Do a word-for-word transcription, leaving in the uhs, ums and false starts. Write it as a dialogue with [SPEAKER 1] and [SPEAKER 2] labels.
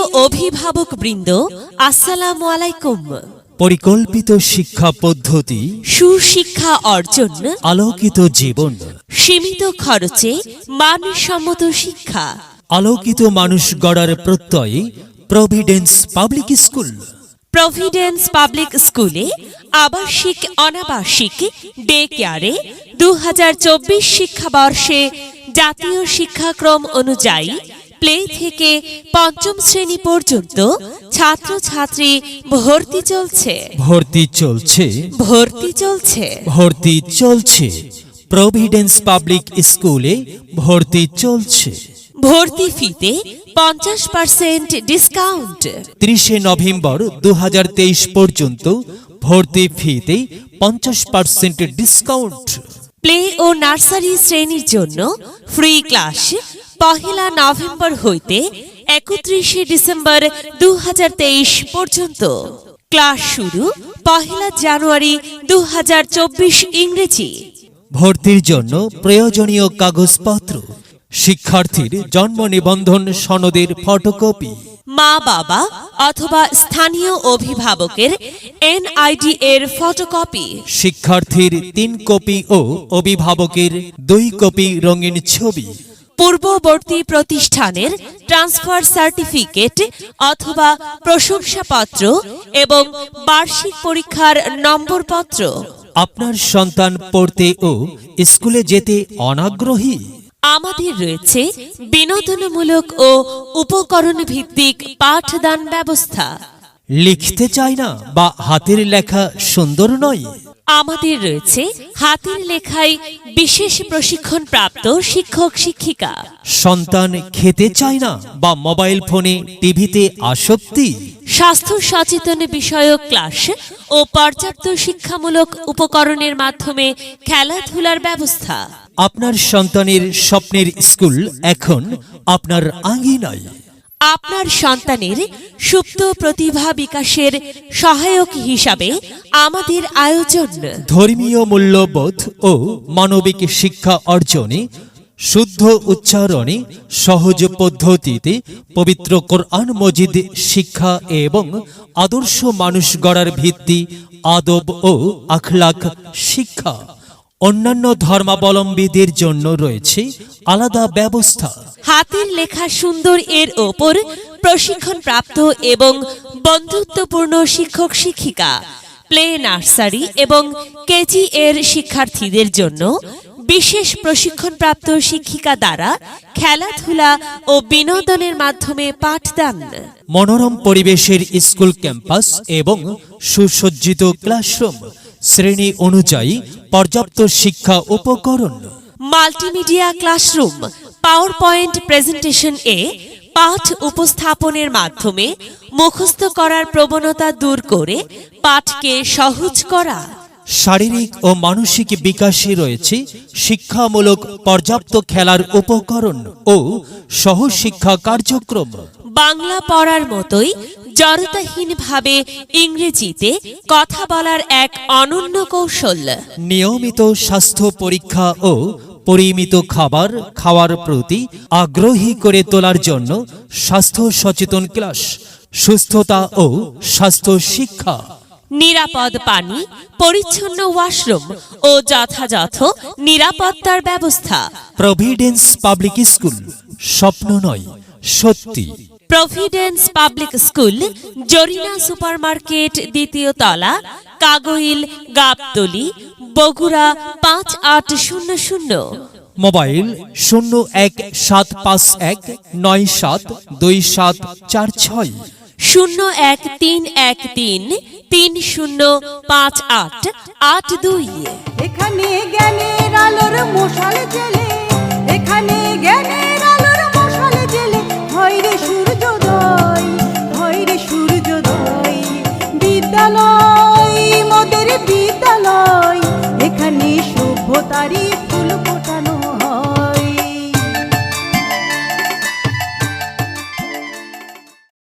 [SPEAKER 1] অভিভাবক বৃন্দ, আসসালামু আলাইকুম।
[SPEAKER 2] পরিকল্পিত শিক্ষা পদ্ধতি,
[SPEAKER 1] সুশিক্ষা অর্জন,
[SPEAKER 2] আলোকিত জীবন,
[SPEAKER 1] সীমিত খরচে মানসম্মত শিক্ষা,
[SPEAKER 2] আলোকিত মানুষ গড়ার প্রত্যয়ে Providence public school.
[SPEAKER 1] Providence public স্কুলে আবাসিক অনাবাসিক ডে কেয়ারে দু হাজার চব্বিশ শিক্ষাবর্ষে জাতীয় শিক্ষাক্রম অনুযায়ী প্লে থেকে পঞ্চম শ্রেণী পর্যন্ত ছাত্রছাত্রী ভর্তি চলছে
[SPEAKER 2] ভর্তি চলছে
[SPEAKER 1] ভর্তি চলছে
[SPEAKER 2] ভর্তি চলছে প্রভিডেন্স পাবলিক স্কুলে ভর্তি চলছে।
[SPEAKER 1] ভর্তি ফিতে পঞ্চাশ পার্সেন্ট ডিসকাউন্ট।
[SPEAKER 2] ত্রিশে নভেম্বর দু হাজার তেইশ পর্যন্ত ভর্তি ফিতে পঞ্চাশ পার্সেন্ট ডিসকাউন্ট।
[SPEAKER 1] প্লে ও নার্সারি শ্রেণীর জন্য ফ্রি ক্লাস পহেলা নভেম্বর হইতে একত্রিশে ডিসেম্বর দু হাজার তেইশ পর্যন্ত। ক্লাস শুরু পহেলা জানুয়ারি দু হাজার চব্বিশ ইংরেজি।
[SPEAKER 2] ভর্তির জন্য প্রয়োজনীয় কাগজপত্র: শিক্ষার্থীর জন্ম নিবন্ধন সনদের ফটোকপি,
[SPEAKER 1] মা বাবা অথবা স্থানীয় অভিভাবকের এনআইডি এর ফটোকপি,
[SPEAKER 2] শিক্ষার্থীর তিন কপি ও অভিভাবকের দুই কপি রঙিন ছবি,
[SPEAKER 1] পূর্ববর্তী প্রতিষ্ঠানের ট্রান্সফার সার্টিফিকেট অথবা প্রশংসাপত্র এবং বার্ষিক পরীক্ষার নম্বরপত্র।
[SPEAKER 2] আপনার সন্তান পড়তে ও স্কুলে যেতে অনাগ্রহী?
[SPEAKER 1] আমাদের রয়েছে বিনোদনমূলক ও উপকরণ ভিত্তিক পাঠদান ব্যবস্থা।
[SPEAKER 2] লিখতে চায় না বা হাতের লেখা সুন্দর নয়?
[SPEAKER 1] আমাদের রয়েছে হাতের লেখায় বিশেষ প্রশিক্ষণ প্রাপ্ত শিক্ষক শিক্ষিকা।
[SPEAKER 2] সন্তান খেতে চায় না বা মোবাইল ফোনে টিভিতে আসক্তি?
[SPEAKER 1] স্বাস্থ্য সচেতন বিষয়ক ক্লাস ও পর্যাপ্ত শিক্ষামূলক উপকরণের মাধ্যমে খেলাধুলার ব্যবস্থা।
[SPEAKER 2] আপনার সন্তানের স্বপ্নের স্কুল এখন আপনার আঙ্গিনায়।
[SPEAKER 1] আপনার সন্তানের সুপ্ত প্রতিভা বিকাশের সহায়ক হিসাবে আমাদের আয়োজন
[SPEAKER 2] ধর্মীয় মূল্যবোধ ও মানবিক শিক্ষা অর্জনে, শুদ্ধ উচ্চারণে, সহজ পদ্ধতিতে পবিত্র কোরআন মজিদ শিক্ষা এবং আদর্শ মানুষ গড়ার ভিত্তি আদব ও আখলাক শিক্ষা। অন্যান্য ধর্মাবলম্বীদের জন্য রয়েছে আলাদা ব্যবস্থা।
[SPEAKER 1] হাতের লেখা সুন্দর এর ওপর প্রশিক্ষণ প্রাপ্ত এবং বন্ধুত্বপূর্ণ শিক্ষক শিক্ষিকা। প্লে নার্সারি এবং কেজি এর শিক্ষার্থীদের জন্য বিশেষ প্রশিক্ষণপ্রাপ্ত শিক্ষিকা দ্বারা খেলাধুলা ও বিনোদনের মাধ্যমে পাঠদান।
[SPEAKER 2] মনোরম পরিবেশের স্কুল ক্যাম্পাস এবং সুসজ্জিত ক্লাসরুম, শ্রেণী অনুযায়ী পর্যাপ্ত শিক্ষা উপকরণ,
[SPEAKER 1] multimedia classroom, power point presentation এ পাঠ উপস্থাপনের মাধ্যমে মুখস্থ করার প্রবণতা দূর করে পাঠকে সহজ করা।
[SPEAKER 2] শারীরিক ও মানসিক বিকাশে রয়েছে শিক্ষামূলক পর্যাপ্ত খেলার উপকরণ ও সহশিক্ষা কার্যক্রম।
[SPEAKER 1] বাংলা পড়ার মতোই জড়তাহীনভাবে ইংরেজিতে কথা বলার এক অনন্য কৌশল।
[SPEAKER 2] নিয়মিত স্বাস্থ্য পরীক্ষা ও পরিমিত খাবার খাওয়ার প্রতি আগ্রহী করে তোলার জন্য স্বাস্থ্য সচেতন ক্লাস, সুস্থতা ও স্বাস্থ্য শিক্ষা।
[SPEAKER 1] নিরাপদ পানি, পরিচ্ছন্ন ওয়াশরুম ও যথাযথ নিরাপত্তার ব্যবস্থা।
[SPEAKER 2] প্রভিডেন্স পাবলিক স্কুল স্বপ্ন নয়, সত্যি।
[SPEAKER 1] Providence public school, Jarina supermarket, দ্বিতীয় তলা, কাগইল, গাবতলী, বগুড়া পাঁচ আট শূন্য শূন্য।
[SPEAKER 2] মোবাইল শূন্য এক সাত পাঁচ এক নয় সাত দুই সাত চার ছয়,
[SPEAKER 1] শূন্য এক তিন এক তিন তিন শূন্য পাঁচ আট আট দুই।
[SPEAKER 3] এখানে জ্ঞানের আলোর মশাল জ্বেলে, এখানে জ্ঞানের আলোর মশাল জ্বেলে, হয় রে সূর্যোদয়, হয় রে সূর্যোদয়। বিদ্যালয় মোদের বিদ্যালয়, এখানে সভ্যতারই